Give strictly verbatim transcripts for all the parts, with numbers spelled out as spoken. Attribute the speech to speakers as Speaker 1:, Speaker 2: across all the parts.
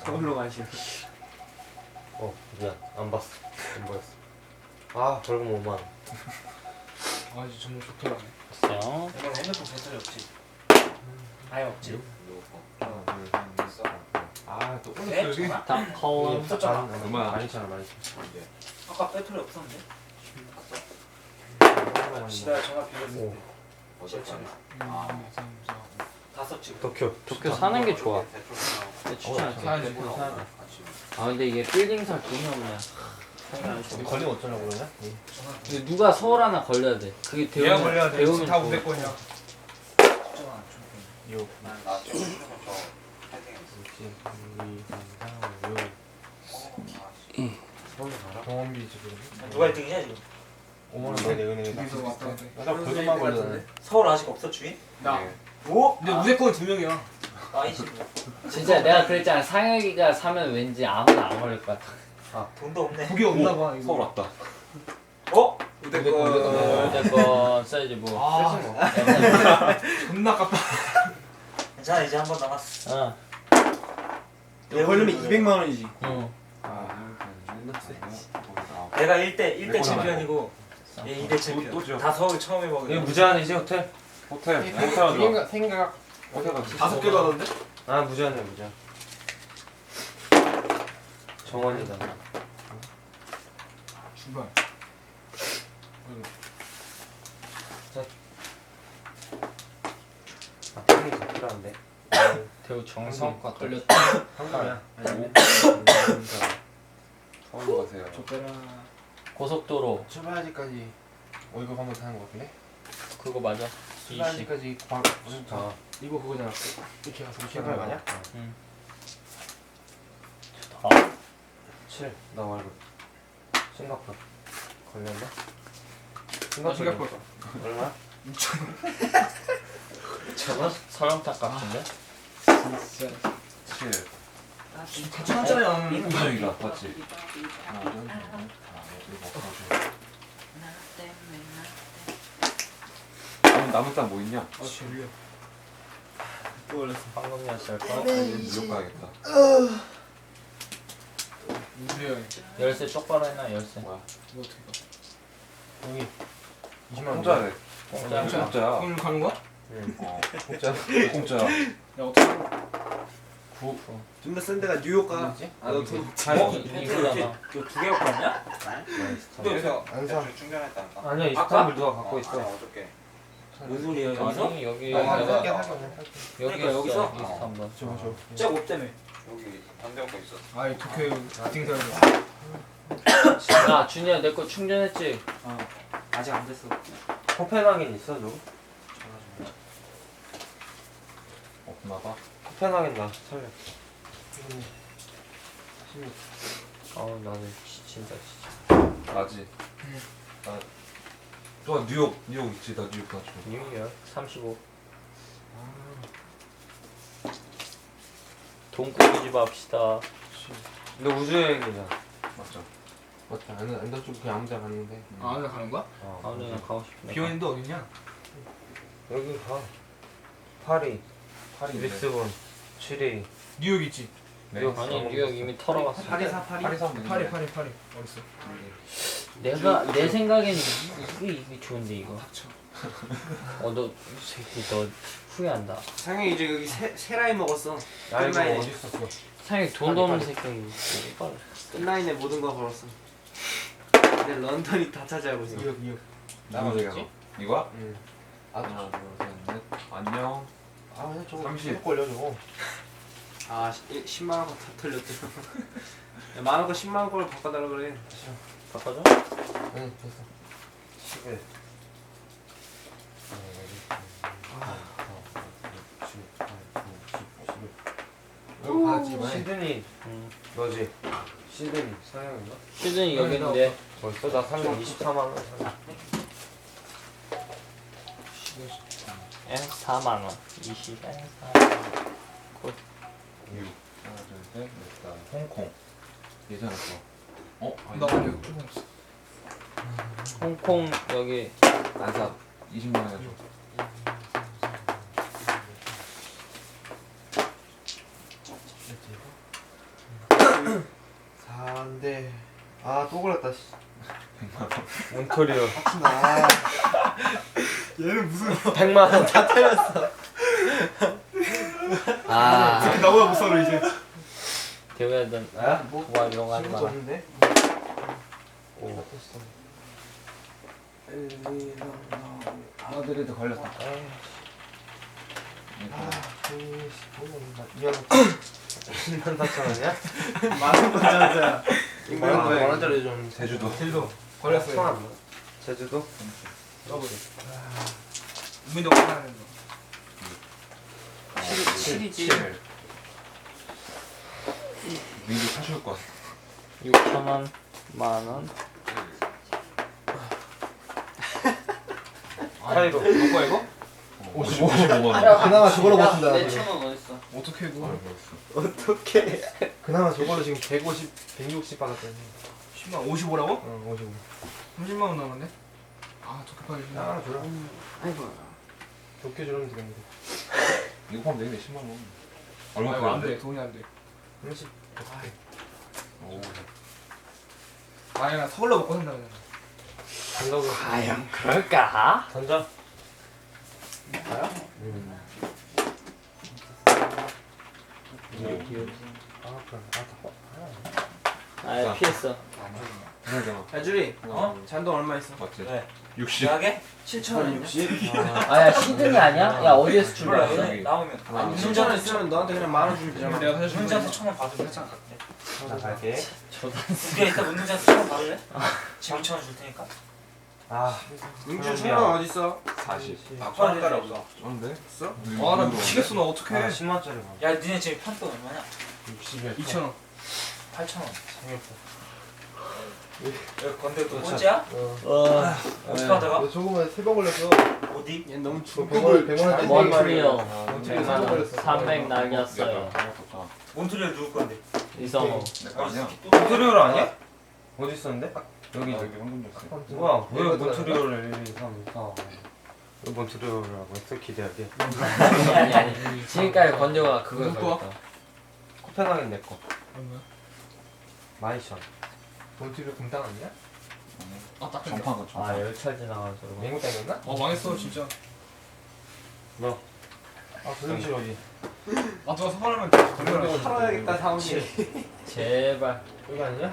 Speaker 1: 서울로 가시오.
Speaker 2: 어 미안 안 봤어. 안 보였어. 아 벌금 오만 원.
Speaker 1: 아 이제 정말 좋더라네.
Speaker 3: 됐어요.
Speaker 4: 이건 핸드폰 배터리 없지? 아예 없지?
Speaker 1: 아또
Speaker 4: 네?
Speaker 1: 올렸어 여기.
Speaker 4: 전화?
Speaker 3: 다 컬러.
Speaker 4: 없었잖아.
Speaker 1: 얼마나?
Speaker 2: 많이 잖아 많이
Speaker 4: 아까 배터리 없었는데?
Speaker 2: 잖아.
Speaker 4: 지나 전화 빌렸는데
Speaker 2: 오.
Speaker 4: 아,
Speaker 1: 음, 감사합니다.
Speaker 4: 다 썼지?
Speaker 2: 도쿄.
Speaker 3: 도쿄 사는 게 좋아. 내 추천할게.
Speaker 1: 사야지 뭐 사야 돼.
Speaker 3: 아 근데 이게 빌딩 살 돈이 없네.
Speaker 2: 걸리면 어쩌려고 그러냐?
Speaker 3: 근데 누가 서울 하나 걸려야 돼. 그게
Speaker 1: 얘가
Speaker 3: 배우면
Speaker 1: 걸려야 돼.
Speaker 3: 배우면
Speaker 1: 다
Speaker 3: 좋아.
Speaker 1: 우대 거냐.
Speaker 4: 걱정 안 줘.
Speaker 2: 요.
Speaker 5: 나 지금 휴대폰 저
Speaker 2: 서울 가라.
Speaker 1: 병원비 지금.
Speaker 4: 누가 일 등이냐 지금?
Speaker 2: 오만 원 내내 은행에
Speaker 1: 둘이서 왔다 갔다 해.
Speaker 2: 나 벌금만 걸렸네.
Speaker 4: 서울 아직 없어 주인?
Speaker 1: 나.
Speaker 4: 뭐?
Speaker 1: 근데 우대권 두 명이야.
Speaker 4: 아이씨 뭐.
Speaker 3: 진짜 내가 그랬잖아. 상혁이가 사면 왠지 아무나 안 걸릴 것 같아.
Speaker 4: 돈도 없네.
Speaker 1: 그게 없나 봐. 이거.
Speaker 5: 서울 왔다.
Speaker 4: 어?
Speaker 1: 우대권.
Speaker 3: 어쨌건 써야지 뭐.
Speaker 1: 아, 존나 아깝다.
Speaker 4: 괜찮아 이제 한 번 남았어.
Speaker 3: 어.
Speaker 6: 얘 걸리면 이백만 원이지.
Speaker 3: 응.
Speaker 4: 내가 일 대 일 대
Speaker 5: 몇
Speaker 4: 챔피언이고 얘 이 대
Speaker 5: 또
Speaker 4: 챔피언.
Speaker 5: 줘.
Speaker 4: 다 서울 처음
Speaker 2: 이거
Speaker 4: 해먹은.
Speaker 2: 무제한이지 호텔?
Speaker 5: 호텔. 호텔 하자.
Speaker 1: 생각 생각
Speaker 5: 호텔 가자.
Speaker 6: 다섯 개 받았는데?
Speaker 2: 아 무제한이야 무제한. 정원이다.
Speaker 1: 주발.
Speaker 2: 아 땡이 더 필요한데.
Speaker 3: 대우 정성과 걸렸다.
Speaker 2: 한국이야.
Speaker 5: 서울로 가세요.
Speaker 1: 줬더라.
Speaker 3: 고속도로
Speaker 2: 출발지까지 어 이거 한번 타는 거 같은데?
Speaker 3: 그거 맞아. 이십.
Speaker 2: 출발지까지 광 무슨 자
Speaker 1: 이거 그거잖아. 이렇게 가서 이렇게
Speaker 2: 출발
Speaker 1: 가는
Speaker 2: 가냐?
Speaker 1: 거.
Speaker 3: 응.
Speaker 2: 칠. 나 말고. 싱가포르. 걸렸나?
Speaker 1: 나 싱가포르.
Speaker 2: 얼마?
Speaker 3: 저거 설렁탕 같은데?
Speaker 1: 진짜.
Speaker 5: 칠.
Speaker 1: 같이 왔잖아요.
Speaker 5: 우정이가 맞지? 하나, 둘, 셋, 넷, 다, 일곱, 여덟. 남은 남은 땅 뭐 있냐?
Speaker 1: 아 졸려.
Speaker 6: 또 올렸어.
Speaker 3: 황금이었을 거.
Speaker 5: 뉴욕 가야겠다.
Speaker 1: 무수해.
Speaker 3: 열쇠 똑바로 해놔 열쇠.
Speaker 5: 뭐야?
Speaker 1: 이거 어떻게 가?
Speaker 2: 여기 이십만 원.
Speaker 5: 공짜래.
Speaker 3: 공짜.
Speaker 1: 공짜?
Speaker 5: 공짜야.
Speaker 1: 오늘 가는 거야?
Speaker 2: 응.
Speaker 5: 어.
Speaker 2: 공짜.
Speaker 5: 공짜야.
Speaker 1: 야 어떻게? 가?
Speaker 2: 구.
Speaker 6: 존나 센 데가 뉴욕 가.
Speaker 2: 뭐지?
Speaker 6: 아, 너 돈.
Speaker 3: 어? 이거잖아.
Speaker 4: 두개 갖고 왔냐?
Speaker 5: 여기서
Speaker 2: 안 사.
Speaker 5: 충전했다니까.
Speaker 2: 아니야 이스탄불 누가 갖고 있어.
Speaker 5: 어저께.
Speaker 4: 뭔 소리야 여기서?
Speaker 3: 아니 여기
Speaker 2: 아,
Speaker 3: 내가
Speaker 2: 살게 살게 살게.
Speaker 3: 여기
Speaker 4: 그러니까 여기서?
Speaker 3: 있어 이스탄불.
Speaker 1: 저거 저.
Speaker 4: 쟤 없다며.
Speaker 5: 여기 반대편 거 있었어.
Speaker 1: 아이 도쿄 미팅 사람.
Speaker 3: 야 준이야 내 거 충전했지?
Speaker 4: 어. 아직 안 됐어.
Speaker 2: 코펜하겐 있어 너?
Speaker 5: 없나 봐.
Speaker 2: 코펜하겐 나 살려. 아 나는 지- 진짜 진짜.
Speaker 5: 나지. 나. 또 뉴욕 뉴욕 있지. 나 뉴욕 가죠.
Speaker 2: 뉴욕 삼십오.
Speaker 3: 돈 꾸미지 맙시다.
Speaker 2: 너 우주여행이잖아.
Speaker 5: 맞죠?
Speaker 2: 맞다. 안나안쪽 그냥 아무 데나 갔는데.
Speaker 1: 아 오늘 가는 거야?
Speaker 2: 어.
Speaker 3: 아 근데 나 가고 싶네.
Speaker 1: 비원인도 어딨냐?
Speaker 2: 여기 가. 파리,
Speaker 5: 파리
Speaker 2: 리스본, 칠리.
Speaker 1: 뉴욕 있지.
Speaker 5: 네.
Speaker 2: 뉴욕.
Speaker 3: 아니 뉴욕 이미 털어갔어.
Speaker 6: 파리사 파리.
Speaker 5: 파리 사면
Speaker 1: 파리 파리 파리. 어딨어?
Speaker 3: 내가 내 생각엔 이게 이게 좋은데 이거.
Speaker 1: 닥쳐.
Speaker 3: 어너 새끼 너 후회한다.
Speaker 6: 상영이 이제 여기 세, 세 라인 먹었어.
Speaker 2: 야 이거
Speaker 6: 끝라인에.
Speaker 2: 어디 있었어?
Speaker 3: 상혁이 돈도 없는 새끼. 이거
Speaker 6: 끝라인에 모든 거 걸었어. 근데 런던이 다 차지하고 있어.
Speaker 1: 뉴욕 뉴욕.
Speaker 5: 나만
Speaker 3: 뭐지?
Speaker 5: 저기 이거야?
Speaker 2: 응.
Speaker 5: 하나, 둘, 셋, 넷. 안녕.
Speaker 2: 아 그냥 저거
Speaker 5: 삼십.
Speaker 2: 계속 걸려 저거.
Speaker 6: 아 십만 원 다 털렸죠. 야, 많은 거 십만 원 걸로 바꿔달라 그래.
Speaker 3: 바꿔줘?
Speaker 2: 응 됐어. 십일.
Speaker 1: 여기 받았지 이번에.
Speaker 2: 시드니
Speaker 3: 응.
Speaker 2: 너지? 시드니 상영인가?
Speaker 3: 시즌이 여기 있는데.
Speaker 2: 벌써 나 삼백 이십사만 원 샀네.
Speaker 3: 에 사만 원. 이십 에 사만 원.
Speaker 5: 뉴욕. 하나, 둘, 셋, 넷, 다. 홍콩. 예전에 거. 어? 아니,
Speaker 1: 나 뉴욕 좀 없어.
Speaker 3: 홍콩 여기
Speaker 5: 안 사. 이십만 원에 줘.
Speaker 2: 사인데 아 또 걸렸다 씨.
Speaker 5: 백만 원.
Speaker 2: 몬토리올.
Speaker 1: 아 얘는 무슨
Speaker 2: 백만 원 다 때렸어.
Speaker 3: 아
Speaker 1: 나보다 못 살아 이제.
Speaker 3: 대우야든
Speaker 2: 아? 뭐
Speaker 3: 와 이런 거 하지
Speaker 2: 친구도
Speaker 3: 마.
Speaker 2: 없는데?
Speaker 3: 오.
Speaker 5: 아들에도 걸렸다.
Speaker 2: 아, 이만 사천 원이야?
Speaker 1: 만원 건전자.
Speaker 2: 만 원짜리 좀
Speaker 5: 제주도.
Speaker 1: 제주도 걸렸어요.
Speaker 2: 천. 제주도?
Speaker 1: 더블. 우민도 하는 거.
Speaker 4: 칠이지.
Speaker 5: 민규 사줄 것.
Speaker 3: 육천 원, 만 원.
Speaker 2: 카이로.
Speaker 1: 너 거야 이거?
Speaker 5: 오십오 만 원.
Speaker 2: 그나마 저걸로 버틴다.
Speaker 4: 내천원 어딨어?
Speaker 1: 어떻게 그
Speaker 2: 어떻게? 그나마 저걸로 지금 백오십, 백육십 받았더니.
Speaker 1: 십만 오십오라고?
Speaker 2: 응, 오십오.
Speaker 1: 삼십만 원 남았네. 아 적합하게.
Speaker 2: 아, 줘라.
Speaker 4: 아이고.
Speaker 2: 도쿄 주면 되겠는데.
Speaker 5: 이거 파면 되겠네 십만 원. 얼마
Speaker 1: 얼마 안
Speaker 5: 파는데?
Speaker 1: 돼. 돈이 안 돼.
Speaker 2: 삼십.
Speaker 5: 오.
Speaker 1: 아니 나 서울로 먹고 산다 그냥.
Speaker 2: 간다고.
Speaker 3: 과연 그럴까?
Speaker 2: 던져.
Speaker 1: 나야?
Speaker 2: 응. 아, 그래. 아,
Speaker 3: 아 피했어.
Speaker 5: 그러잖아.
Speaker 6: 야주리
Speaker 4: 어?
Speaker 6: 잔돈 얼마 있어?
Speaker 5: 맞지?
Speaker 4: 네.
Speaker 5: 육십.
Speaker 4: 대학에? 칠천원
Speaker 6: 육십?
Speaker 3: 아야 시드니 아니야? 야 어디에서
Speaker 4: 몰라
Speaker 3: 출발했어?
Speaker 4: 얘네 나오면
Speaker 6: 아니 칠천원 있으면 너한테 그냥 만 원 주면 되잖아.
Speaker 1: 내가 사실
Speaker 4: 문자한테 천원 받으면 괜찮아 갈게
Speaker 2: 나 갈게.
Speaker 4: 우리가 이따 문자한테 천원 받을래? 지금 천원 줄 테니까
Speaker 2: 아,
Speaker 6: 민주 천원 어딨어?
Speaker 5: 사십.
Speaker 4: 바꿔야 되지 없어
Speaker 5: 쩐데?
Speaker 6: 있어?
Speaker 1: 아나 미치겠어 나 어떡해.
Speaker 2: 아, 십만 원짜리 봐.
Speaker 4: 야 니네 지금 판돈 얼마냐?
Speaker 2: 육십이야.
Speaker 1: 이천 원.
Speaker 4: 팔천원
Speaker 2: 재미없어.
Speaker 4: 여기 건대 또 꼴찌야?
Speaker 2: 어.
Speaker 3: 어
Speaker 4: 어떻게 하다가?
Speaker 2: 너 저거만 세 번 걸렸어.
Speaker 4: 어디?
Speaker 6: 얘 너무
Speaker 2: 그 백만 원, 백만 원짜리
Speaker 3: 몬트리올
Speaker 2: 몬트리올
Speaker 3: 백만 원
Speaker 2: 걸렸어.
Speaker 3: 삼백 날렸어요.
Speaker 4: 몬트리올 누구 건데?
Speaker 3: 이성호
Speaker 5: 내거 아니야?
Speaker 2: 몬트리올 아니야? 어디 있었는데?
Speaker 5: 여기 여기 황금 줬어.
Speaker 2: 뭐야? 왜 몬트리올을 일, 이, 삼, 사, 오. 왜 몬트리올이라고 했어? 기대하게.
Speaker 3: 아니 아니 아니 지금까지 건조가 그걸
Speaker 1: 누구 거야?
Speaker 3: 걸렸다.
Speaker 2: 코펜하겐 내 거.
Speaker 1: 얼마야?
Speaker 2: 마이션. 몬트리올 금당 아니야?
Speaker 1: 아 딱.
Speaker 5: 전파가
Speaker 3: 아
Speaker 5: 전파.
Speaker 3: 열철 지나가지고
Speaker 2: 맹구 당겼나?
Speaker 1: 어 망했어 진짜.
Speaker 2: 아, 그럼 싫어지.
Speaker 1: 아 누가 서발하면 걸려.
Speaker 6: 팔아야겠다 사오지.
Speaker 3: 제발
Speaker 2: 여기 아니냐?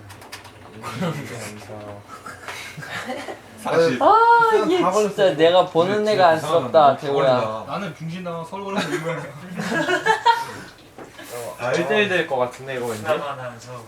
Speaker 5: 사십.
Speaker 3: 아
Speaker 2: 다
Speaker 3: 이게
Speaker 2: 걸렸어.
Speaker 3: 진짜 내가 보는 애가 안쓰럽다 대우야.
Speaker 1: 나는 빙신당한 서울 걸려서 이 모양이야.
Speaker 2: 아, 일 대 일 될 것 같은데, 이거 왠지?
Speaker 4: 나만 하면 서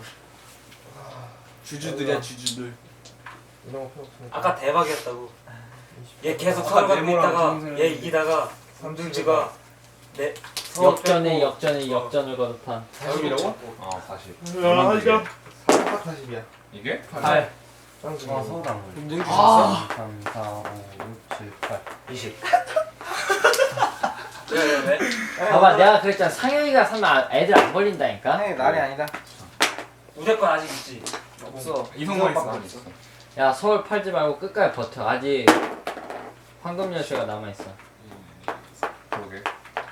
Speaker 6: 주주들이야 주주들.
Speaker 2: 이런 거 필요 없으니까.
Speaker 4: 아까 대박이었다고 얘 계속
Speaker 1: 아까
Speaker 4: 서울 가고
Speaker 1: 네모랑
Speaker 4: 있다가
Speaker 1: 동생을
Speaker 4: 얘 이기다가 삼중지가 내 서울
Speaker 3: 역전에
Speaker 4: 뺏고
Speaker 3: 역전에
Speaker 4: 어.
Speaker 3: 역전을 거듭한
Speaker 2: 사십이라고?
Speaker 5: 아 사십.
Speaker 2: 야, 이거 사십, 사십이야.
Speaker 5: 이게?
Speaker 3: 팔.
Speaker 2: 짱 아, 서울당.
Speaker 6: 그럼 능주
Speaker 3: 아.
Speaker 6: 줬어?
Speaker 2: 삼, 사, 오, 육, 칠, 팔, 이십.
Speaker 4: 왜왜 왜?
Speaker 3: 봐봐 내가 그랬잖아 상영이가 사면 아- 애들 안 걸린다니까.
Speaker 6: 아니 날이 아니다.
Speaker 4: 우대권 아직 있지?
Speaker 6: 없어.
Speaker 1: 이성만 있어.
Speaker 6: 이성밖에 없어.
Speaker 3: 야 서울 팔지 말고 끝까지 버텨. 아직 황금 열쇠가 남아 있어.
Speaker 5: 그러게.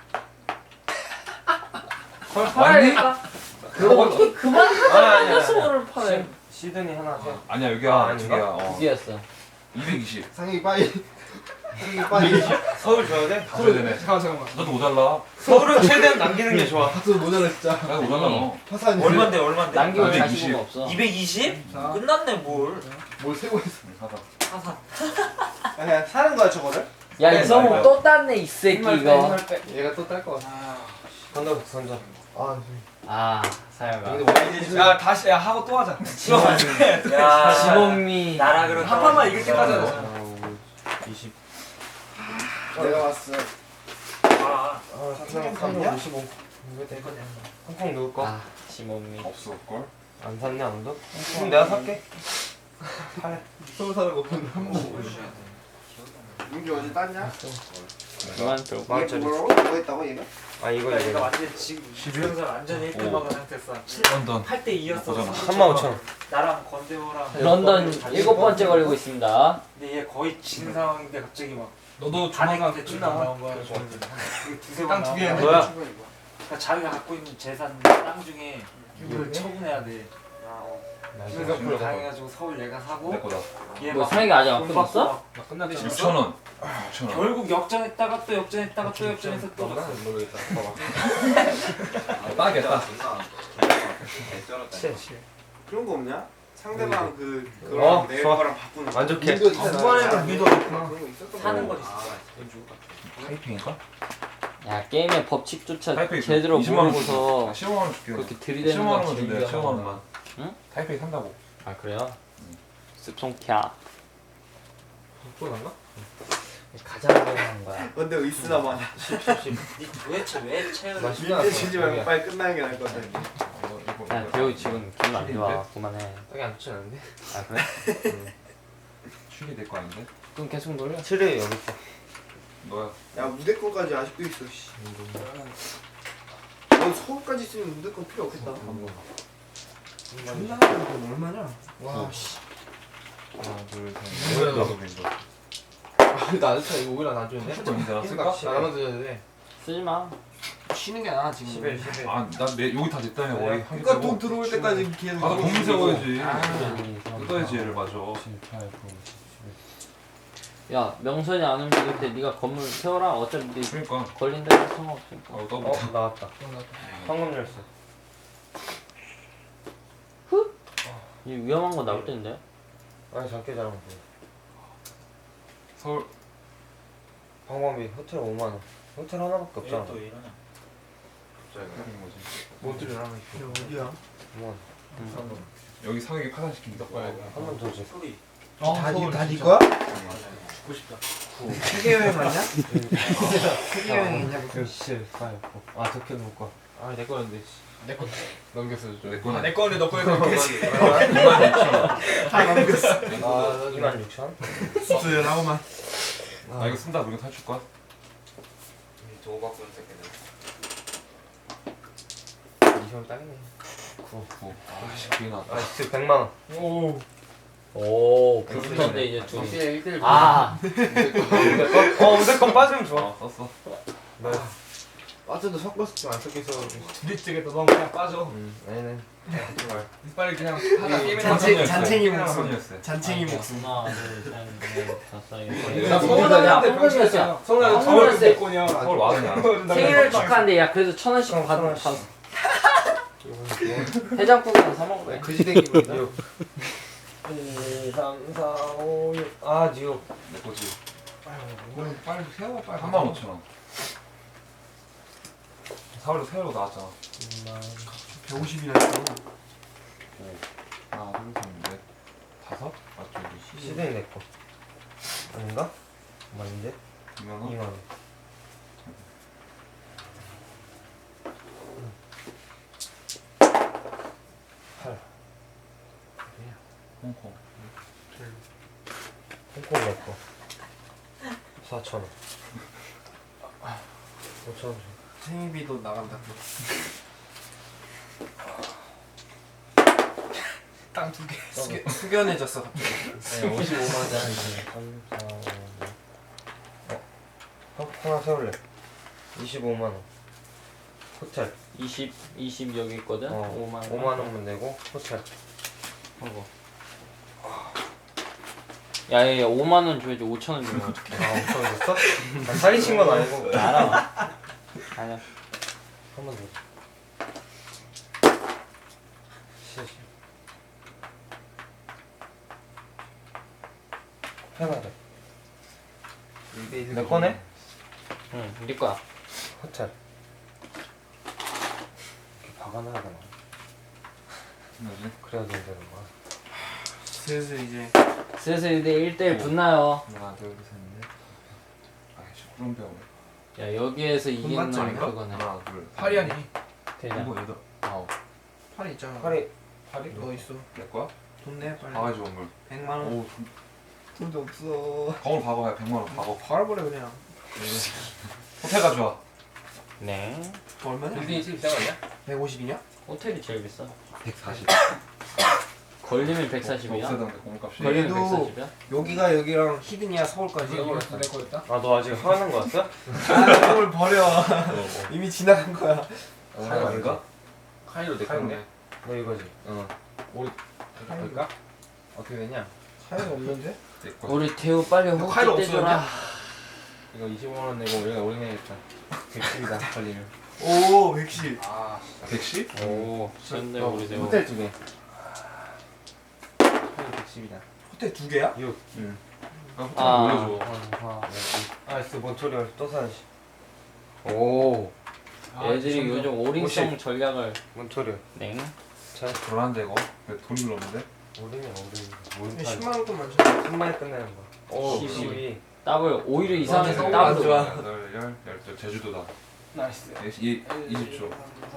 Speaker 3: 서울 팔아야겠다. 그거 어떻게 그만
Speaker 2: 아니, 아니,
Speaker 3: 하자고
Speaker 2: 아니.
Speaker 3: 서울을 팔아.
Speaker 2: 시드니 하나, 셋.
Speaker 5: 아니야 여기야
Speaker 2: 아,
Speaker 5: 두
Speaker 2: 아닌가?
Speaker 5: 개야. 어.
Speaker 3: 두 개였어.
Speaker 5: 이백이십.
Speaker 2: 상혁이 빠이. 상혁이 빠이. 서울 줘야 돼?
Speaker 5: 다 줘야 되네.
Speaker 1: 잠깐만 잠깐만.
Speaker 5: 너도 못 달라.
Speaker 2: 서울은 최대한 남기는 게 좋아.
Speaker 1: 박수 모자라 진짜.
Speaker 5: 나도 못 달라 너.
Speaker 2: 화산이.
Speaker 4: 얼만데 얼만데?
Speaker 3: 남기고
Speaker 5: 이백이십.
Speaker 3: 자시고가 없어.
Speaker 4: 이백이십?
Speaker 1: 자.
Speaker 4: 끝났네 뭘
Speaker 1: 뭘 세고 있어.
Speaker 5: 사다.
Speaker 4: 사사
Speaker 6: 그냥 사는 거야 저거를?
Speaker 3: 야
Speaker 2: 네,
Speaker 3: 이성우
Speaker 2: 맞아요.
Speaker 3: 또 땄네 이 새끼 이거.
Speaker 2: 얘가 또 딸 것 같아. 던져, 던져. 아,
Speaker 3: 아 사연아.
Speaker 2: 근데 뭐
Speaker 1: 야 다시 야 하고 또 하자.
Speaker 4: 야
Speaker 3: 지범미.
Speaker 4: 나라 그런
Speaker 1: 한 판만 이길 때까지 하자.
Speaker 2: 사, 오, 이십.
Speaker 6: 내가 왔어.
Speaker 4: 아
Speaker 2: 아, 삼, 삼, 오십오. 이거 될 거냐? 홍콩 누구 거?
Speaker 3: 아 지범미.
Speaker 5: 없을 걸.
Speaker 2: 안 샀냐, 아무도? 그럼 내가 살게. 팔.
Speaker 1: 서울 사는 거 보면 한 번.
Speaker 4: 보여줘야 돼
Speaker 6: 민주 어제 땄냐?
Speaker 3: 그만 좀.
Speaker 2: 만 원짜리.
Speaker 6: 뭐라고? 뭐 했다고 얘가?
Speaker 2: 아, 이거,
Speaker 4: 그러니까 얘가
Speaker 2: 이거.
Speaker 4: 완전 지금 동영상 완전히 일 등 막은 상태였어
Speaker 5: 런던.
Speaker 4: 팔 대 이였어
Speaker 5: 보잖아.
Speaker 2: 삼만 오천 원.
Speaker 4: 나랑 건대호랑
Speaker 3: 런던 일곱 번째 걸리고 있습니다.
Speaker 4: 근데 얘 거의 진 상황인데 갑자기 막
Speaker 1: 너도
Speaker 4: 반응
Speaker 1: 조만간
Speaker 4: 대충
Speaker 1: 끝나.
Speaker 4: 나온 거야 두세 번
Speaker 1: 땅두
Speaker 4: 나온
Speaker 1: 개야.
Speaker 4: 거야
Speaker 2: 뭐야?
Speaker 4: 그러니까 자기가 갖고 있는 재산 땅 중에 이걸 처분해야 돼. 그래서 그걸 당해가지고 서울 얘가 사고
Speaker 5: 내 거다.
Speaker 4: 얘
Speaker 3: 뭐
Speaker 4: 막
Speaker 3: 상혁이 아직 안
Speaker 4: 돈 받고
Speaker 3: 끝났어?
Speaker 4: 막
Speaker 1: 나 끝났지.
Speaker 5: 육천 원. 육천 원.
Speaker 4: 결국 역전했다가 또 역전했다가 또 역전해서 또
Speaker 2: 너보다
Speaker 4: 갔어.
Speaker 2: 모르겠다. 봐봐.
Speaker 5: 딱이겠다.
Speaker 6: 그런 거 없냐? 상대방 그
Speaker 2: 어,
Speaker 6: 그거랑 내
Speaker 2: 좋아.
Speaker 6: 거랑 바꾸는 거.
Speaker 2: 만족해.
Speaker 1: 후반에는 미도 없구나.
Speaker 6: 그런 거 있었던
Speaker 4: 사는
Speaker 6: 거
Speaker 4: 건 있어.
Speaker 5: 타이핑인가?
Speaker 3: 야 게임의 법칙조차
Speaker 5: 타이핑
Speaker 3: 제대로
Speaker 5: 이십만 원
Speaker 3: 모르고서
Speaker 5: 아, 십오만 원 줄게.
Speaker 3: 그렇게 들이대는
Speaker 5: 십오만
Speaker 3: 건
Speaker 5: 원 준대.
Speaker 3: 진짜.
Speaker 5: 십오만 원만.
Speaker 3: 응?
Speaker 5: 타이핑 산다고.
Speaker 3: 아 그래요? 습송캬.
Speaker 2: 또 난가?
Speaker 3: 가자고 하는 거야.
Speaker 6: 근데 의스나 봐.
Speaker 4: 니 도대체 왜 채우는
Speaker 2: 나 십만 원.
Speaker 6: 밀대 주지 말고 빨리 끝나는 게 나을 것 같아.
Speaker 5: 어, 이거
Speaker 3: 야 배우 지금 기분 안 좋아. 그만해.
Speaker 2: 딱이 안 좋지 않은데?
Speaker 3: 아 그래?
Speaker 5: 출이 될 거 아닌데?
Speaker 3: 그럼 계속 놀려.
Speaker 2: 칠회 여기 있어.
Speaker 5: 너야.
Speaker 6: 야 무대권까지 아직도 있어. 씨. 넌 서울까지 있으면 무대권 필요 없겠다.
Speaker 1: 존나 돈 얼마냐? 와 씨.
Speaker 5: 하나, 둘, 셋.
Speaker 2: 뭐야,
Speaker 5: 넷,
Speaker 2: 너?
Speaker 5: 다섯 개.
Speaker 2: 아, 나 진짜 이거 오히려 안 주는데?
Speaker 5: 칠도 인자 쓸까?
Speaker 2: 나만 드는데.
Speaker 3: 쓰지 마.
Speaker 4: 쉬는 게 나아 지금.
Speaker 2: 십일, 십일.
Speaker 5: 아, 난 여기 다 됐다며.
Speaker 2: 그래.
Speaker 5: 머리 하기
Speaker 6: 그러니까
Speaker 5: 때고.
Speaker 6: 돈 들어올 때까지 계속.
Speaker 5: 가서 공문 세워야지.
Speaker 3: 아.
Speaker 5: 뜯어야지 얘를 맞아.
Speaker 3: 야 명선이 안 움직일 때 네가 건물 세워라. 어차피 네
Speaker 5: 그러니까.
Speaker 3: 걸린다는 상관없으니까.
Speaker 5: 어,
Speaker 2: 어,
Speaker 5: 더부터.
Speaker 2: 나왔다. 황금 열쇠.
Speaker 3: 이 위험한 거 나올 텐데.
Speaker 2: 아니, 작게 잘한 거.
Speaker 5: 서울.
Speaker 2: 방범비 호텔 오만 원. 호텔 하나밖에 없잖아.
Speaker 4: 또 이러냐?
Speaker 5: 그런 거지.
Speaker 2: 뭐 호텔을 하나 있어.
Speaker 1: 어디야?
Speaker 2: 오만 원.
Speaker 5: 여기 상혁이 파산시킨다.
Speaker 2: 한번 더 줘.
Speaker 4: 소리.
Speaker 1: 다다네 거야?
Speaker 4: 죽고 싶다.
Speaker 1: 세계 여행 맞냐? 세계 여행 있냐고.
Speaker 2: 칠, 팔, 구. 아, 도쿄 누구 거? 아, 내 거였는데.
Speaker 1: 내 거.
Speaker 2: 넘겼어, 좀.
Speaker 5: 내 거는
Speaker 1: 내 거는 너 거에 넘겼지.
Speaker 5: 이만 육천 원.
Speaker 1: 다 넘겼어.
Speaker 2: 아, 이만 육천?
Speaker 1: 없어요 나오만.
Speaker 5: 아, 이거 쓴다. 이거 탈출 거야?
Speaker 6: 도 바꾸는 새끼들.
Speaker 2: 이천 딱이네.
Speaker 5: 구. 구. 아씨, 그게 나왔다.
Speaker 2: 아, 진짜 백만 원.
Speaker 1: 오.
Speaker 3: 오 불붙었는데 이제 둘이.
Speaker 2: 일 대 일.
Speaker 3: 아
Speaker 2: 어, 무조건 빠지면 좋아.
Speaker 5: 어, 썼어.
Speaker 2: 네. 빠져도 섞었을 줄안 섞여서.
Speaker 1: 둘이 쪽에도 너무 그냥 빠져.
Speaker 2: 음, 아니네.
Speaker 1: 빨리 그냥 하나 게임에
Speaker 5: 잔챙이,
Speaker 1: 잔챙이 목숨.
Speaker 5: 삼천이었어요.
Speaker 1: 잔챙이 목숨.
Speaker 3: 하나 둘셋넷 다섯
Speaker 5: 나
Speaker 3: 여섯.
Speaker 1: 서운한데
Speaker 3: 황금열쇠야.
Speaker 1: 서운한데
Speaker 3: 황금열쇠.
Speaker 1: 서울 대권이야.
Speaker 5: 서울 와그냐.
Speaker 3: 생일을 축하한데 야 그래도 천 원씩
Speaker 2: 어,
Speaker 3: 받
Speaker 2: 천 원씩.
Speaker 3: 받. 해장국이나 사 먹으래.
Speaker 2: 그지대 기분이다. 육. 이, 삼, 사, 오, 육. 아, 뉴욕.
Speaker 5: 내 거지.
Speaker 1: 이건 빨리 세워 빨리.
Speaker 5: 삼만 오천 원. 사월에 세월로 나왔잖아.
Speaker 1: 백오십이나 있어.
Speaker 5: 하나, 둘, 셋, 넷, 다섯? 맞죠? 이게
Speaker 2: 시드니 내 거. 아닌가? 맞는데?
Speaker 5: 이만 원?
Speaker 2: 이만 원. 팔.
Speaker 5: 홍콩.
Speaker 2: 홍콩 내 거. 사천 원. 오천 원.
Speaker 6: 생일비도 나간다.
Speaker 1: 땅 두 개.
Speaker 6: 숙여, 숙연해졌어 갑자기.
Speaker 2: 네, 오십오만 원. 삼, 사, 오, 육. 어? 어? 하나 세울래. 이십오만 원. 호텔.
Speaker 3: 이십 이십 여기 있거든.
Speaker 2: 어,
Speaker 3: 오만 원.
Speaker 2: 오만 원만 내고 호텔.
Speaker 3: 하고. 야얘 오만 원 줘야지 오천 원 주면 어떡해.
Speaker 2: 아, 오천 원 줬어? 아, 사기친 건 아니고.
Speaker 3: 알아. 아니야.
Speaker 2: 한 번 더. 시 해봐야 돼. 내 거네?
Speaker 3: 응, 네 거야.
Speaker 2: 호텔. 이렇게 박아놔야 되나?
Speaker 5: 뭐지?
Speaker 2: 그래야 된다는 거야.
Speaker 6: 슬슬 이제
Speaker 3: 슬슬 이제 일 대일 붙나요.
Speaker 5: 하나, 둘, 셋, 넷. 아이씨, 구름 배우네.
Speaker 3: 야 여기에서 이기는
Speaker 1: 맞지
Speaker 3: 놈이
Speaker 1: 않을까?
Speaker 3: 그거네.
Speaker 5: 하나, 둘, 셋,
Speaker 1: 팔이 아니.
Speaker 3: 대장.
Speaker 5: 일곱, 여덟, 아홉.
Speaker 1: 팔이 있잖아.
Speaker 2: 팔이
Speaker 5: 팔이?
Speaker 1: 너 있어.
Speaker 5: 내 거야?
Speaker 6: 돈 내 빨리.
Speaker 5: 바가지 원물.
Speaker 6: 백만 원.
Speaker 5: 오, 돈-
Speaker 6: 돈도 없어.
Speaker 5: 거울 봐봐요. 백만 원 봐봐.
Speaker 6: 팔아버려 그냥.
Speaker 5: 호텔 가져와.
Speaker 3: 네.
Speaker 6: 얼마냐?
Speaker 1: 빌딩이 제일 비싼 거 아니야?
Speaker 6: 백오십이냐?
Speaker 3: 호텔이 제일 비싸.
Speaker 5: 백사십.
Speaker 3: 걸리면 백사십이야.
Speaker 5: 없애던데 공값이.
Speaker 3: 걸리면
Speaker 6: 그래도-
Speaker 3: 백사십이야?
Speaker 6: 여기가 여기랑 히든이야 서울까지.
Speaker 1: 이거였어 내 거였다.
Speaker 2: 아, 너 아직 하는 거였어?
Speaker 6: 아, 서울 버려. 이미 지나간 거야.
Speaker 2: 카이로 아닌가?
Speaker 5: 카이로 내
Speaker 2: 카이로.
Speaker 5: 건데.
Speaker 2: 너 이거지?
Speaker 5: 어. 우리 갈까? 어떻게 되냐?
Speaker 2: 카이로 없는데?
Speaker 5: 내 거.
Speaker 3: 우리 태우 빨리 호흡
Speaker 1: 카이로
Speaker 3: 떼줘라.
Speaker 5: 이거 이십오 원 내고 우리가 오래 내겠다. 백십이다 걸리면.
Speaker 1: 오 백십.
Speaker 5: 아, 백십?
Speaker 3: 오, 센데 우리 태우.
Speaker 5: 호텔 두 개. 카이로 백십이다.
Speaker 1: 호텔 두 개야?
Speaker 5: 응. 아, 호텔
Speaker 3: 아,
Speaker 5: 올려줘.
Speaker 3: 아,
Speaker 2: 아이스 몬토리올 또 사야지.
Speaker 3: 오.
Speaker 1: 아,
Speaker 3: 애들이
Speaker 1: 미쳤네.
Speaker 3: 요즘 오링성 전략을
Speaker 2: 몬토리올.
Speaker 3: 냉.
Speaker 2: 잘.
Speaker 5: 불안한데 이거. 왜 돈이 별로 없는데?
Speaker 2: 오름이 오름. 뭔
Speaker 1: 십만 원도 많잖아.
Speaker 2: 천만에 끝내는 거.
Speaker 5: 오,
Speaker 2: 십이.
Speaker 3: 더블 오히려 이상해서
Speaker 1: 너무
Speaker 3: 더블.
Speaker 1: 안 좋아.
Speaker 5: 여덟, 열, 열둘. 제주도다.
Speaker 1: 나이스.
Speaker 5: 이 이십 초.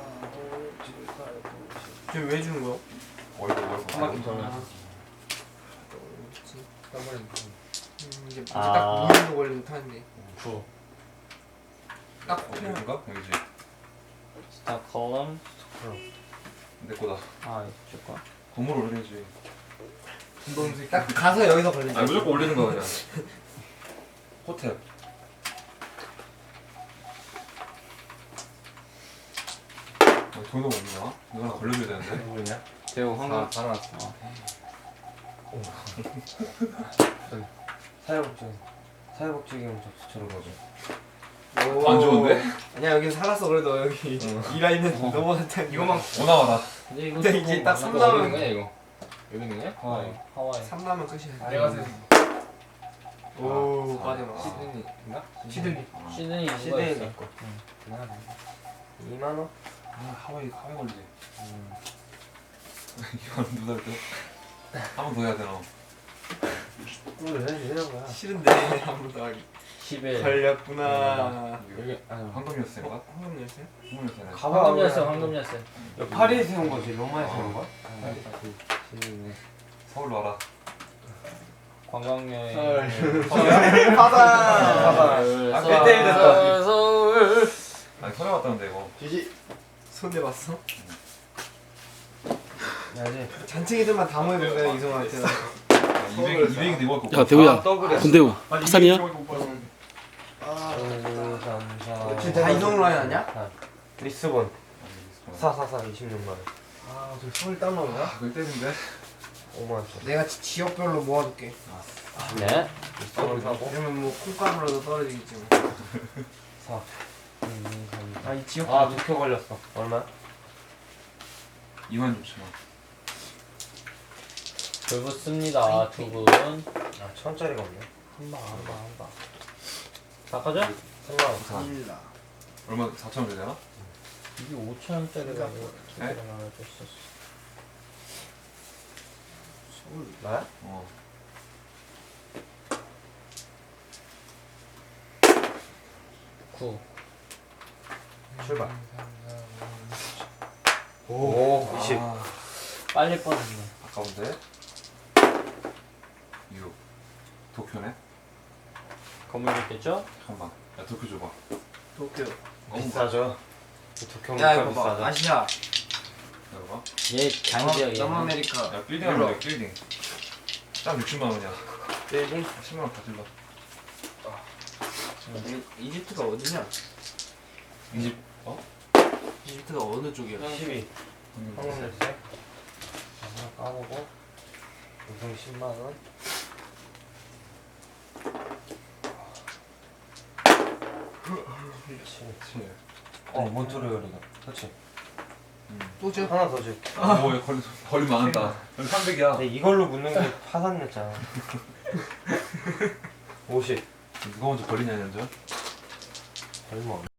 Speaker 1: 지금 왜 주는 거야?
Speaker 5: 월급 월급.
Speaker 3: 한만큼 더 나.
Speaker 1: 음, 이제
Speaker 3: 아.
Speaker 1: 딱 오 년도 걸리면 타는데.
Speaker 3: 구.
Speaker 1: 딱
Speaker 5: 어,
Speaker 1: 그냥
Speaker 5: 여긴가? 여기지.
Speaker 3: 스타 컬럼.
Speaker 5: 내 거다.
Speaker 3: 아, 이쪽 거.
Speaker 5: 건물 올려야지.
Speaker 1: 운동색 딱 가서 여기서 걸리는
Speaker 5: 아니 무조건 올리는 거 그냥. 호텔. 아, 돈 너무 없나? 이거 하나 걸려줘야 되는데.
Speaker 2: 뭐냐?
Speaker 3: 태우 황금.
Speaker 5: 다 나왔어.
Speaker 2: 사회복지. 사회복지기금 접수처럼 거죠.
Speaker 5: 안 좋은데?
Speaker 1: 아니야 여기 살았어 그래도 여기 이 라인은 넘어갔다. 이거만
Speaker 5: 오나마다.
Speaker 3: 근데 이거
Speaker 1: 근데 이제 딱 삼 나오면-
Speaker 3: 거야 이거. 여기 있는 거야?
Speaker 2: 하와이.
Speaker 3: 하와이.
Speaker 1: 삼 나면 끝이야.
Speaker 3: 내가
Speaker 1: 오
Speaker 5: 아,
Speaker 1: 빠져나.
Speaker 5: 시드니인가?
Speaker 1: 시드니.
Speaker 3: 시드니 이거
Speaker 2: 시드니
Speaker 3: 있어.
Speaker 2: 거. 이만 원?
Speaker 5: 아 하와이 하와이 걸리지. 이거는 누가 할 때? 한 번 더 해야 되나?
Speaker 2: 그걸 해야지 되는 거야.
Speaker 1: 싫은데 아무도 하기.
Speaker 3: 십일.
Speaker 1: 걸렸구나.
Speaker 3: 여기 아
Speaker 5: 황금 열쇠인가?
Speaker 1: 황금 열쇠?
Speaker 5: 황금 열쇠네.
Speaker 3: 황금 열쇠 황금 열쇠.
Speaker 2: 파리에 세운 거지. 로마에 세운 거야?
Speaker 5: 서울로 와라.
Speaker 3: 관광 여행.
Speaker 1: 바다.
Speaker 3: 서울.
Speaker 5: 아,
Speaker 3: 서울.
Speaker 5: 일 대 일 됐다.
Speaker 3: 서울.
Speaker 5: 아니 서울 왔다는데 이거.
Speaker 1: 지지. 손 대봤어?
Speaker 2: 야지.
Speaker 1: 잔챙이들만 다 모여본다 이성한테.
Speaker 5: 이백 이백인데 이거
Speaker 7: 야 대우야
Speaker 2: 아, 더블이야.
Speaker 7: 군대우 파산이야?
Speaker 1: 아.
Speaker 2: 오, 삼, 사.
Speaker 1: 지금 다 이성 라인 아니야?
Speaker 2: 리스본. 사, 사, 사, 이십육만 원.
Speaker 1: 아, 저 손을 땀나오냐?
Speaker 5: 아, 그걸 때린데?
Speaker 2: 오만 원짜리.
Speaker 1: 내가 지, 지역별로 모아둘게.
Speaker 3: 네.
Speaker 2: 리스본 사고.
Speaker 1: 그러면 뭐 콩가루라도 떨어지겠지 뭐.
Speaker 2: 사. 음, 삼.
Speaker 1: 아, 이 지역.
Speaker 2: 아, 두표 걸렸어. 얼마?
Speaker 5: 이만 육천 원.
Speaker 3: 불 붙습니다 두 분.
Speaker 2: 아, 천 원짜리가 없네.
Speaker 3: 한방 한방 한방. 바꿔줘?
Speaker 2: 삼만 원.
Speaker 1: 일라.
Speaker 5: 얼마 사천 원 줘야 되나?
Speaker 3: 이게 오천 원짜리가
Speaker 1: 그러니까
Speaker 3: 두
Speaker 5: 네?
Speaker 3: 개를 하나 줬었어.
Speaker 1: 서울.
Speaker 2: 나야?
Speaker 5: 어.
Speaker 3: 구.
Speaker 2: 출발.
Speaker 5: 오,
Speaker 2: 이십.
Speaker 5: 아,
Speaker 3: 빨리 뻔했네.
Speaker 5: 아까운데? 육. 도쿄네?
Speaker 3: 건물 있겠죠?
Speaker 5: 잠깐만. 야 도쿄 줘봐.
Speaker 1: 도쿄.
Speaker 2: 비싸죠. 도쿄
Speaker 1: 야,
Speaker 2: 물가
Speaker 1: 이거 봐.
Speaker 2: 비싸죠.
Speaker 1: 아시아.
Speaker 5: 열어봐.
Speaker 3: 얘 강지역이야.
Speaker 1: 남아메리카.
Speaker 5: 야 빌딩 하면 돼 빌딩. 딱 육십만 원이야.
Speaker 2: 빌딩?
Speaker 5: 십만 원 다 질러.
Speaker 1: 이- 이집트가 어디냐?
Speaker 5: 이집 어?
Speaker 1: 이집트가 어느 쪽이야?
Speaker 2: 십이. 황금 열쇠. 하나 까보고. 우승 십만 원. 그렇지.
Speaker 5: 그치.
Speaker 2: 어, 몬트리올이다. 그렇지.
Speaker 1: 또 줘?
Speaker 2: 하나 더 줘.
Speaker 5: 오, 야, 걸리 걸리 많다. 여기 삼백이야.
Speaker 2: 근데 이걸로 묻는 게 파산냈잖아. 오십.
Speaker 5: 누가 먼저 걸리냐 현재?
Speaker 2: 얼마?